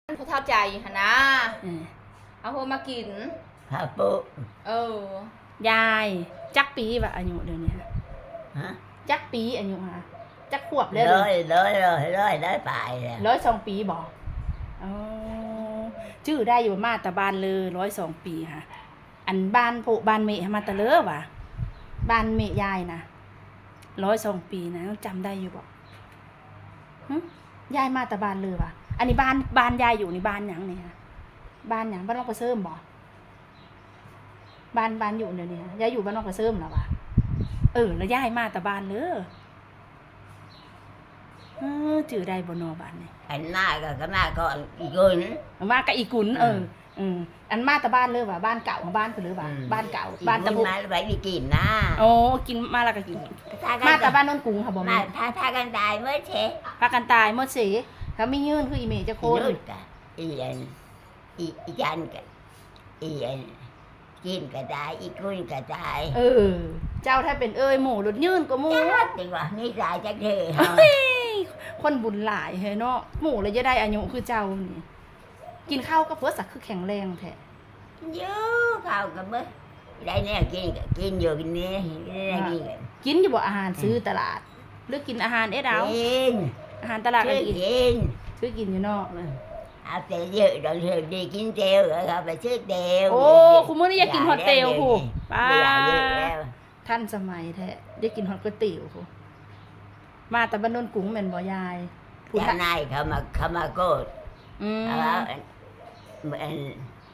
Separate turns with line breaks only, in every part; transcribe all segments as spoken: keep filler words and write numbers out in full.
ผู้เท่าใจหนนะเอาพวกมากิน
ฮาปุ
เออยายจักปีวะอายุเดี๋ยวนี้ฮะจักปีอายุฮะจักขวบเลย
เลยเลยเลยเลยได้ไป
ร้อยสองปีบอกอ๋อชื่อได้อยู่มาตาบานเลยร้อยสองปีค่ะอันบ้านโพบ้านเมย์มาตะเลอวะบ้านเมย์ยายนะร้อยสองปีนะจำได้อยู่บอกยายมาตาบานเลยวะอันนี้บ้านบ้านยายอยู่ในบ้านหยังเนี่ยบ้านหยังบ้านนอกกระเซิมบ่บ้านบ้านอยู่เดี๋ยวนี้ยายอยู่บ้านนอกกระเซิมหรอวะเออแล้วยายมาตาบานเลยเออจื่อได้บนนอบ้านนี่
อันหน้าก็ก็หน้าก็อีกุน
มากับอีกุนเอออืมอันมาตาบ้านเลยว่ะบ้านเก่าของบ้านคือหรือว่าบ้านเก่าบ้านตะบุ
มาไปไปกินนะ
โอ้กินมาแล้วก็กินมาตาบ้านนนกุงค่ะบ่แม่
พาพากันตายเมื่อเช
พากันตายเมื่อเสเขาไม่ยื่นคืออีเมจะโคน
อีอันอีอีจันกันอีอันกินก็ได้อีกุนก็ได้
เออเจ้าถ้าเป็นเอ้ยหมูหลุดยื่นก็หมู
จริงว่ะนี่ตายจักเธอ
คนบุญหลายเฮ้เนาะหมูเลยจะได้อายุคือเจ้านี่กินข้าวก็เพื่อสักคือแข็งแรงแท้
เยอะข้าวกับเมื่อได้เนี่ยกินกินอยู่กินนี่กิน
กินอยู่บ่อาหารซื้อตลาดหรือกินอาหารเอ็ดเอา
กิน
อาหารตลาด
ก็กิน
ซื้อกินอยู่นอกเลย
เอาแต่เยอะเราเถอะดีกินเตียวเราไปซื้อเตียว
โอ้คุณมื่อนี้อยากกินฮอตเตียวผู้ป้าท่านสมัยแท้ได้กินฮอตก๋วยเตี๋ยวผู้มาแต่บ้านนนกุ้งเหม็นบ่ยาย
ผู้นายเขามาเขามาโกดแล้วเหมือน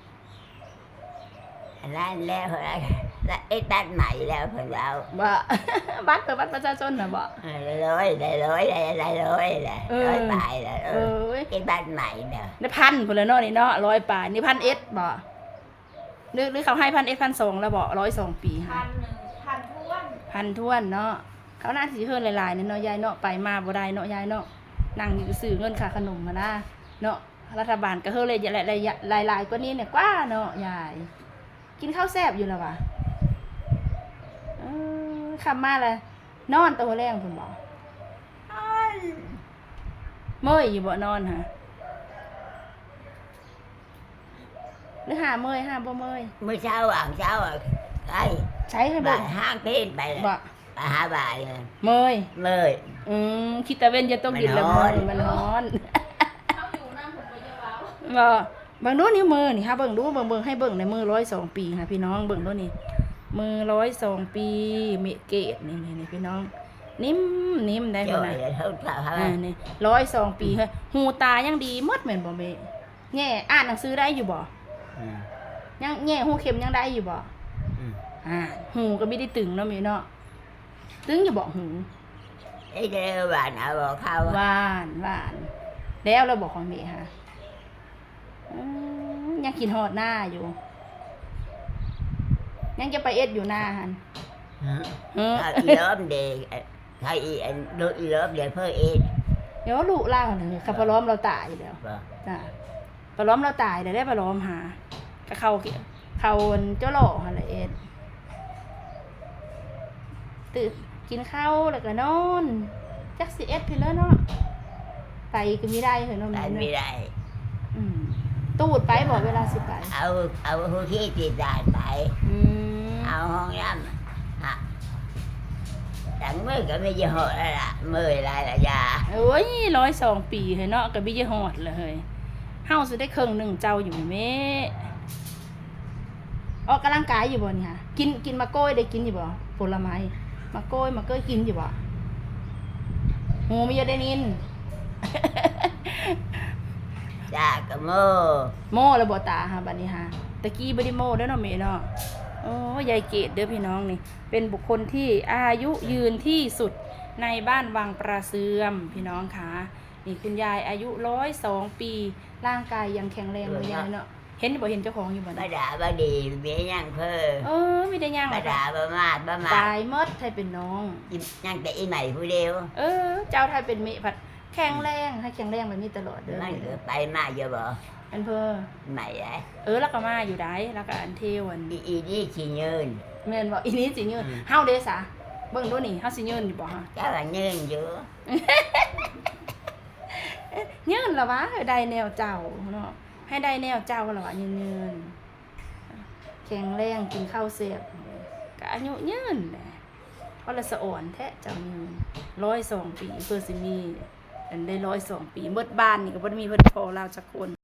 แล้วแล้วแล้วไอ้บ้านใหม่แล้วเพื่อนเรา
บ่บ้านเปิดบ้านประชาชนนะบ่
ร้อยได้ร้อยได้ได้ร้อยแหละร้อยปลายแหละเออไอ้บ้านใหม่เนาะ
นี่พันคนละเนาะนี่เนาะร้อยปลายนี่พันเอสบ่หรือหรือเขาให้พันเอสพันสองแล้วบ่ร้อยสองปี
พันหนึ่งพันท้วน
พันท้วนเนาะเขาหน้าสีเฮือนหลายๆเนี่ยเนาะยายเนาะไปมาบ่ได้เนาะยายเนาะนั่งอยู่ซื้อเงินค่าขนมมานะเนาะรัฐบาลก็เฮือเลยหลายๆกว่านี้เนี่ยกว่าเนาะยายกินข้าวแซ่บอยู่แล้ววะเออคำมาเลยนอนตัวแรงคุณบอกเมื่อยอยู่บ่นอนฮะหรือหาเมื่อยหาบ่เมื่อย
เมื่อเช้าอ่ะเช้าอ่ะใช่
ใช้ให้บ่
ห้างเต้นไปบ่หาบ่าย
เมื่อย
เมื่อย
อืมคิดตะเว้นจะต้องกินแล้วมันร้อน
เขาอยู่น้ำผมไปเยอะแล้ว
บ่เบิ่งดูนิ้วมือนี่ค่ะเบิ่งดูเบิ่งเบิ่งให้เบิ่งในมือร้อยสองปีค่ะพี่น้องเบิ่งดูนี่มือร้อยสองปีเมเกตนี่นี่พี่น้องนิ่มนิ่มได้ขนาดอ่านี่ร้อยสองปีเฮ้ยหูตายังดีมดเหมือนบ่เมแง่อ่านหนังสือได้อยู่บ่ยังแง่หูเข็มยังได้อยู่บ่อ่าหูก็ไม่ได้ตึงเนาะเมเนาะตึงอยู่บ่หู
ไอ้เด้อหวานเอาบ่เข้า
หวานหวานแล้วเราบอกของเมค่ะยังกินหอดหน้าอยู่ยังจะไปเอ็ดอยู่หน้าฮัน
อีเลิฟเด็กใครอีอันดูอีเลิฟเด็กเพื่อเอ็ด
เดี๋ยวลูกล่าเลยขับปล้อมเราตายเดี๋ยวจ้าปล้อมเราตายเดี๋ยวได้ปล้อมหากระเขาเขาเจ้าหล่ออะไรเอ็ดตื่นกินข้าวแล้วก็นอนจักสิเอ็ดพี่แล้วเนาะไปก็ไม่ได้เหรอเนาะ
ไม่ได้
ตูดไปบอกเวลาสิไป
เอาเอาหัวที่ตีดานไปเอาห้องน้ำฮะแต่เมื่อก็ไม่จะหอดแล้วล่ะเมื่อไรล่ะยา
โอ้ยร้อยสองปีเฮ้เนาะก็ไม่จะหอดเลยเฮาสุดได้ครึ่งหนึ่งเจ้าอยู่เมออกกำลังกายอยู่บ่นี่ค่ะกินกินมะโก้ยได้กินอยู่บ่ผลไม้มะโก้ยมะเก้ยกินอยู่บ่หูไม่ยอได้นิน
จ้าก็โม
โมระบบตาฮะบัดนี้ฮะตะกี้บ่ได้โมเด้อเนาะแม่เนาะโอ้ยายเกดเด้อพี่น้องนี่เป็นบุคคลที่อายุยืนที่สุดในบ้านวังประเสื่อมพี่น้องค่ะนี่คุณยายอายุร้อยสองปีร่างกายยังแข็งแรงเลยยายเนาะเห็นบ่เห็นเจ้าของอยู่บ่
บ่ด่าบ่ดีเบี้ยยังเพ้อ
เออไม่ได้ย่าง
บ่ด่าบ่มาดบ่มา
ตายหมดไทยเป็นน้อง
ยังแต่อีใหม่ผู้เดียว
เออเจ้าไทยเป็นเมผัดแข็งแรงให้แข็งแรงแบบนี้ตลอดเด้อ
มันไปมาเยอะบ่
อันเพ้อ
ใหม่ไอ้
เออแล้วก็มาอยู่ได้แล้วก็อันเทวัน
อีอีนี่สิยืน
แม่นบ่อีนี้สิยืนเฮาเด้ซะเบิ่งดูนี่เฮาสิยืนอยู่บ่ฮะ
เจ้าว่ายืนอยู่
เอ๊ะยืนละวะได้แนวเจ้าเนาะให้ได้แนวเจ้าละวะยืนยืนแข็งแรงกินข้าวเสียบก็อายุยืนแหละเพราะละสะอ่อนแท้เจ้ายืนร้อยสองปีเพื่อสิมีอันได้ร้อยสองปีเบิดบ้านนี่ก็บ่ได้มีเพิ่นพอเราจักคน